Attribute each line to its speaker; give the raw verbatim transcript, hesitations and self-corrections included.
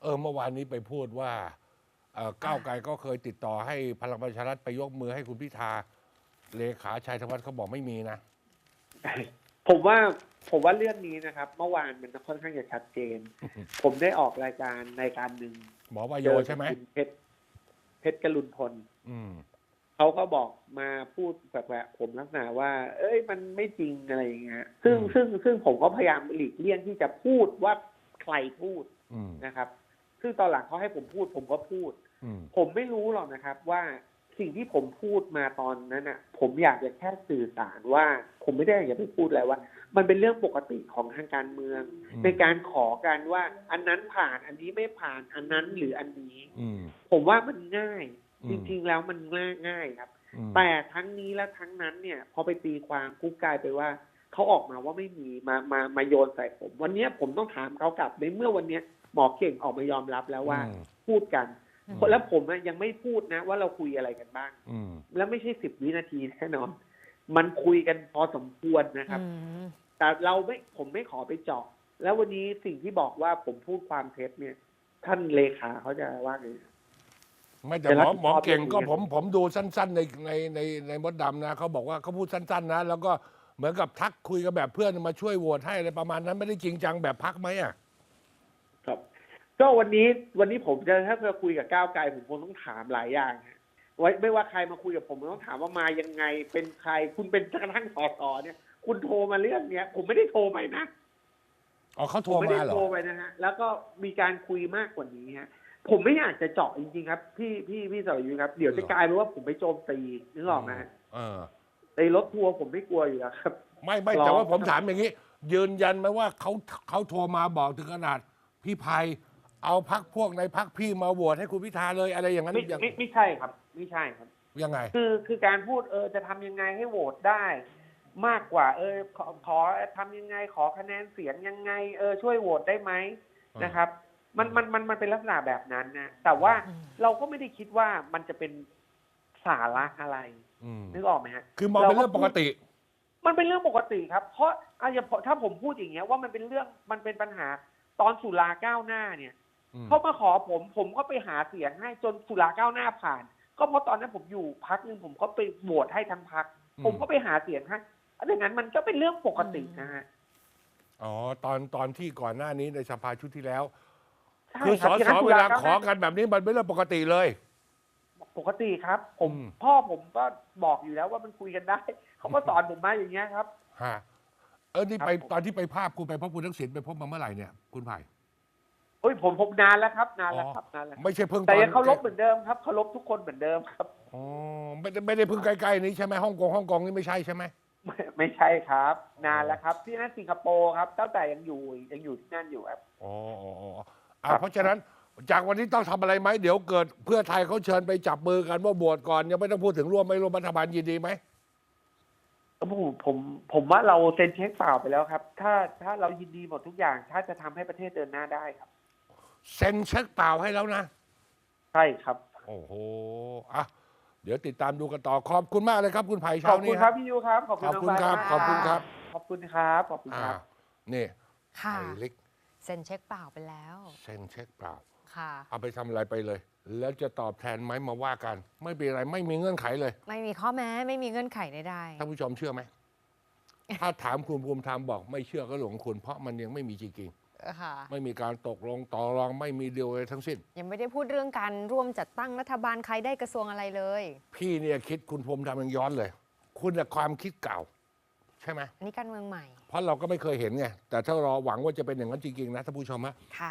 Speaker 1: อเมื่อวานนี้ไปพูดว่าเอ่อก้าวไกลก็เคยติดต่อให้พลังประชารัฐไปยกมือให้คุณพิธาเลขาชัยธวัฒน์เขาบอกไม่มีนะ
Speaker 2: ผมว่าผมว่าเรื่องนี้นะครับ เมื่อวานมันค่อนข้างจะชัดเจน ผมได้ออกรายการรายการหนึ่ง
Speaker 1: หมอวายโยใช่ไหม
Speaker 2: คุณเพชรเพชรกรุณพล
Speaker 1: อืม
Speaker 2: เขาก็บอกมาพูดแบบๆผมลักษณะว่า เอ้ยมันไม่จริงอะไรอย่างเงี้ยซึ่ง
Speaker 1: อืม
Speaker 2: ซึ่งซึ่งผมก็พยายามหลีกเลี่ยงที่จะพูดว่าใครพูด
Speaker 1: อืม
Speaker 2: นะครับ ซึ่งตอนหลังเขาให้ผมพูด ผมก็พูด
Speaker 1: อืม
Speaker 2: ผมไม่รู้หรอกนะครับว่าสิ่งที่ผมพูดมาตอนนั้นน่ะ ผมอยากจะแค่สื่อสารว่า ผมไม่ได้อยากจะไปพูดอะไรว่า มันเป็นเรื่องปกติของทางการเมือง
Speaker 1: อืม
Speaker 2: ในการขอกันว่า อันนั้นผ่านอันนี้ไม่ผ่านอันนั้นหรืออันนี้
Speaker 1: อืม
Speaker 2: ผมว่ามันง่าย
Speaker 1: อืม
Speaker 2: จริงๆแล้วมันง่ายง่ายครับ
Speaker 1: อืม
Speaker 2: แต่ทั้งนี้และทั้งนั้นเนี่ยพอไปตีความกุ๊กกลายไปว่าเขาออกมาว่าไม่มีมามามาโยนใส่ผม วันนี้ผมต้องถามเขากลับในเมื่อวันนี้หมอเก่งออกมายอมรับแล้วว่า
Speaker 1: อืม
Speaker 2: พูดกัน
Speaker 1: อืม
Speaker 2: แล้วผมอะยังไม่พูดนะว่าเราคุยอะไรกันบ้าง
Speaker 1: อืม
Speaker 2: แล้วไม่ใช่สิบวินาทีแน่นอน มันคุยกันพอสมควรนะครับ
Speaker 3: อืม
Speaker 2: แต่เราไม่ผมไม่ขอไปเจาะ แล้ววันนี้สิ่งที่บอกว่าผมพูดความเท็จเนี่ย ท่านเลขาเขาจะว่าไง
Speaker 1: ไม่แต่
Speaker 2: จะ
Speaker 1: หม
Speaker 2: รับ
Speaker 1: อ
Speaker 2: ผิด
Speaker 1: หมอ
Speaker 2: ชอบ
Speaker 1: เก่งก็
Speaker 2: เรื่องนี้
Speaker 1: ผมผมดูสั้น ๆ ในในในในมดดำนะเขาบอกว่าเขาพูดสั้น ๆ นะ แล้วก็เหมือนกับทักคุยกันแบบเพื่อนมาช่วยโหวตให้อะไรประมาณนั้นไม่ได้จริงจังแบบพักไหมอ่ะ
Speaker 2: ครับ ก็วันนี้วันนี้ผมจะถ้าจะคุยกับก้าวไกลผมคงต้องถามหลายอย่างฮะไว้ไม่ว่าใครมาคุยกับผมผมต้องถามว่ามายังไงเป็นใครคุณเป็นกระทั่งสสเนี่ย คุณโทรมาเรื่องเนี้ย ผมไม่ได้โทรไปนะ
Speaker 1: อ๋อเขา
Speaker 2: ผ
Speaker 1: โทร
Speaker 2: มไม่ได้
Speaker 1: มาเหรอ
Speaker 2: โทรไปนะฮะแล้วก็มีการคุยมากกว่านี้ฮะผมไม่อยากจะเจาะจริงๆครับ พี่พี่พี่สรยุทธครับเดี๋ยวจะกลายเป็นว่าผมไปโจมตีนึกออกไหมฮะ
Speaker 1: เออ
Speaker 2: ในรถทัวร์ผมไม่กลัวอยู่แล้วครับ
Speaker 1: ไม่ไม่
Speaker 2: รอ
Speaker 1: แต่ว่าผมถามอย่างนี้ ยืนยันไหมว่าเขาเขาโทรมาบอกถึงขนาด พี่ภัยเอาพักพวกในพักพี่มาโหวตให้คุณพิธาเลยอะไรอย่างนั้น
Speaker 2: ไม่
Speaker 1: อย่าง
Speaker 2: ไม่ไม่ใช่ครับ ไม่ใช่ครับ
Speaker 1: ยังไง
Speaker 2: คือคือการพูดเออจะทำยังไงให้โหวตได้ มากกว่า เออขอขอทำยังไงขอคะแนนเสียงยังไง เออช่วยโหวตได้ไหม
Speaker 1: อ่าน
Speaker 2: นะครับ มันมันมันมันเป็นลักษณะแบบนั้นนะแต่ว่า
Speaker 3: อืม
Speaker 2: เราก็ไม่ได้คิดว่ามันจะเป็นสาระอะไร
Speaker 1: อืม
Speaker 2: นึกออกไหมฮะ
Speaker 1: คือมองเป็นเรื่องปกติ
Speaker 2: มันเป็นเรื่องปกติครับ เพราะอาจจะถ้าผมพูดอย่างเงี้ยว่ามันเป็นเรื่องมันเป็นปัญหาตอนสุราก้าวหน้าเนี่ย
Speaker 1: อืม
Speaker 2: เขามาขอผม ผมก็ไปหาเสียงให้จนสุราก้าวหน้าผ่าน ก็เพราะตอนนั้นผมอยู่พักนึงผมก็ไปโหวตให้ทั้งพัก ผมก็ไปหาเสียงให้ดังนั้นมันก็เป็นเรื่องปกตินะฮะ
Speaker 1: อ๋อตอนตอนที่ก่อนหน้านี้ในสภาชุดที่แล้ว
Speaker 2: ใช่
Speaker 1: คือส
Speaker 2: รับ
Speaker 1: อ
Speaker 2: ย่ง
Speaker 1: ส
Speaker 2: นั้น
Speaker 1: อ
Speaker 2: สุ
Speaker 1: เว
Speaker 2: ร
Speaker 1: ลา
Speaker 2: ก้
Speaker 1: ขอกันแบบนี้มันเป็นเรื่องปกติเลย
Speaker 2: ปกติครับ ผม
Speaker 1: อืม
Speaker 2: พ่อผมก็บอกอยู่แล้วว่ามันคุยกันได้ เขาก็สอนผมมาอย่างเงี้ยครับ
Speaker 1: ฮะเออนี่ไป
Speaker 2: ครับผม
Speaker 1: ตอนที่ไปภาพคุณไปพบคุณทักษิณไปพบมาเมื่อไหร่เนี่ยคุณไผ่
Speaker 2: เฮ้ยผมผมนานแล้วครับนานแล้ว
Speaker 1: อ๋อ
Speaker 2: ครับนานแล้ว
Speaker 1: ไม่ใช่เพิ่ง
Speaker 2: แต่
Speaker 1: ตอน
Speaker 2: ยังเคารพเหมือนเดิมครับเคารพทุกคนเหมือนเดิมครับ
Speaker 1: อ๋อไม่ได้ไม่ได้เพิ่งใกล้ๆนี้ใช่ไหมฮ่องกงฮ่องกงนี่ไม่ใช่ใช่ไหม
Speaker 2: ไม่ไม่ใช่ครับ นานแล้วครับ ที่นั่นสิงคโปร์ครับตั้งแต่ยังอยู่ยังอยู่ที่นั่นอยู่ครับ
Speaker 1: อ๋ออ๋ออ๋ออ่ะ
Speaker 2: ครับ
Speaker 1: เพราะฉะนั้นจากวันนี้ต้องทำอะไรไหมเดี๋ยวเกิดเพื่อไทยเขาเชิญไปจับมือกันว่าโหวตก่อนยังไม่ต้องพูดถึงร่วมไม่ร่วมรัฐบาลยินดีไหม
Speaker 2: ผมผมผมว่าเราเซ็นเช็คเปล่าไปแล้วครับ ถ้าถ้าเรายินดีหมดทุกอย่าง ถ้าจะทำให้ประเทศเดินหน้าได้ครับ
Speaker 1: เซ็นเช็คเปล่าให้แล้วนะ
Speaker 2: ใช่ครับ
Speaker 1: โอ้โหอ่ะเดี๋ยวติดตามดูกันต่อขอบคุณมากเลยครับคุณไผ่
Speaker 2: ข
Speaker 1: เช้า
Speaker 2: อบคุ
Speaker 1: นี้
Speaker 2: ณครับพี่ยูครับขอบคุณ
Speaker 1: ขอบคุณ
Speaker 2: น้ง
Speaker 1: ครับ
Speaker 2: มาก
Speaker 1: ขอบคุณครับ
Speaker 2: ขอบคุณครับขอบคุณค
Speaker 1: อ่า
Speaker 2: รับ
Speaker 1: นี่
Speaker 3: ค่ะ
Speaker 1: ไผ่เล็ก
Speaker 3: เซ็นเช็คเปล่าไปแล้ว
Speaker 1: เซ็นเช็คเปล่า
Speaker 3: ค่ะ
Speaker 1: เอาไปทำอะไรไปเลย แล้วจะตอบแทนไหมมาว่ากัน ไม่เป็นไรไม่มีเงื่อนไขเลย
Speaker 3: ไม่มีข้อแม้ไม่มีเงื่อนไขใด
Speaker 1: ท่านผู้ชมเชื่อไหม ถ้าถามคุณภูมิธรรมบอกไม่เชื่อก็หลงคุณ เพราะมันยังไม่มีจริง
Speaker 3: ๆค่ะ
Speaker 1: ๆไม่มีการตกลงต่อรองไม่มีเดียวอะไรทั้งสิ้น
Speaker 3: ยังไม่ได้พูดเรื่องการร่วมจัดตั้งรัฐบาลใครได้กระทรวงอะไรเลย
Speaker 1: พี่เนี่ยคิดคุณภูมิธรรมยังย้อนเลย คุณน่ะความคิดเก่า ใช่ไหม
Speaker 3: อันนี้การเมืองใหม่
Speaker 1: เพราะเราก็ไม่เคยเห็นไงแต่ถ้าเราหวังว่าจะเป็นอย่างนั้นจริงๆนะท่านผู้ชมฮะ
Speaker 3: ค่ะ